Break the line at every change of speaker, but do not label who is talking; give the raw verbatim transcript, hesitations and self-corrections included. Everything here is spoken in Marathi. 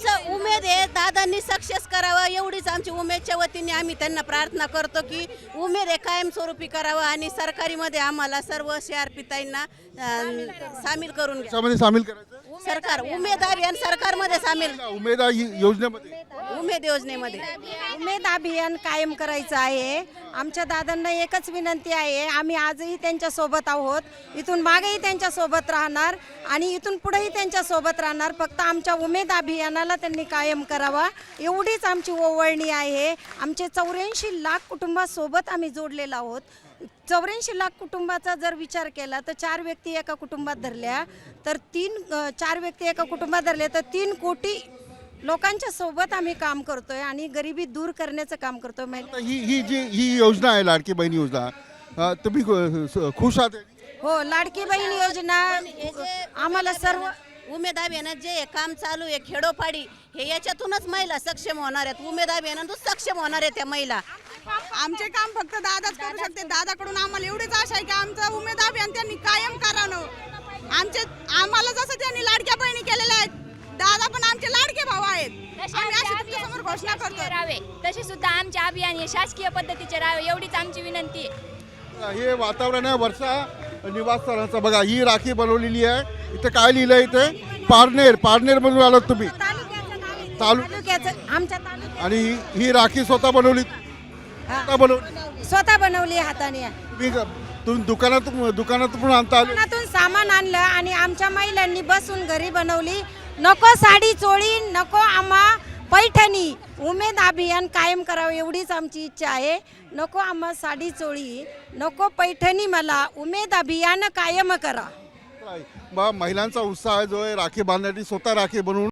आमचं उमेद आहे दादांनी सक्सेस करावं एवढीच आमची उमेदच्या वतीने आम्ही त्यांना प्रार्थना करतो की उमेद आहे कायमस्वरूपी करावं आणि सरकारीमध्ये आम्हाला सर्व सीआरपीताईंना सामील करून घ्या.
त्याच्यामध्ये सामील करायचं
सरकार उमेद अभियान सरकारमध्ये सामील
उमेद योजनेमध्ये
उमेद योजनेमध्ये
उमेद अभियान कायम करायचं आहे. आमच्या दादांना एकच विनंती आहे, आम्ही आजही त्यांच्या सोबत आहोत, इथून मागेही त्यांच्या सोबत राहणार आणि इथून पुढेही त्यांच्या सोबत राहणार. फक्त आमच्या उमेद अभियानाला त्यांनी कायम करावा एवढीच आमची ओवळणी आहे. आमचे चौऱ्याऐंशी लाख कुटुंबासोबत आम्ही जोडलेलो आहोत. चौऱ्याऐंशी लाख कुटुंबाचा जर विचार केला तर चार व्यक्ती एका कुटुंबात धरल्या तर तीन चार व्यक्ती एका कुटुंबात धरले तर तीन कोटी लोकांच्या सोबत आम्ही काम करतोय आणि गरिबी दूर करण्याचं काम करतोय.
ही ही जी ही योजना आहे लाडकी बहीण योजना, अ, तुम्ही खु- खुश आहात?
हो, लाडकी बहीण योजना आम्हाला सर्व
उमेद अभियानात जे हे काम चालू आहे खेडोपाडी हे याच्यातूनच महिला सक्षम होणार आहेत. उमेद अभियानातून सक्षम होणार आहेत त्या महिला.
आमचे काम फक्त दादाच करू शकते. दादाकडून आम्हाला एवढीच आशा आहे की आमचं उमेद अभियान त्यांनी कायम करावं. आमचे आम्हाला जसं त्यांनी लाडक्या बहिणी केलेल्या आहेत, दादा पण आमचे लाडके भाऊ आहेत. आम्ही अशी तुमच्यासमोर घोषणा करतो.
तसे सुद्धा आमचे अभियान हे शासकीय पद्धतीचे राहावे एवढीच आमची विनंती आहे.
हे वातावरण आहे वर्षा निवासस्थानाचं. बघा ही राखी बनवलेली आहे. इथे काय लिहिलंय? इथे पारनेर पारनेर मधून आलात तुम्ही तालु
तालुक्याचं आमच्या तालुक्यात
आणि ही- ही राखी स्वतः बनवली स्वतः बनवली
स्वतः बनवली हाताने.
तुम्ही ग- तुम्ही दुकानातून दुकानातून पण आणता आले?
दुकानातून सामान आणलं आणि आमच्या महिलांनी बसून घरी बनवली. नको साडी चोळी, नको आम्हा पैठणी. उमेद अभियान कायम करावं एवढीच आमची इच्छा आहे. नको आम्हा साडी चोळी, नको पैठणी, मला उमेद अभियान कायम करा.
महिलांचा उत्साह जो आहे राखी बांधण्यासाठी स्वतः राखी बनवून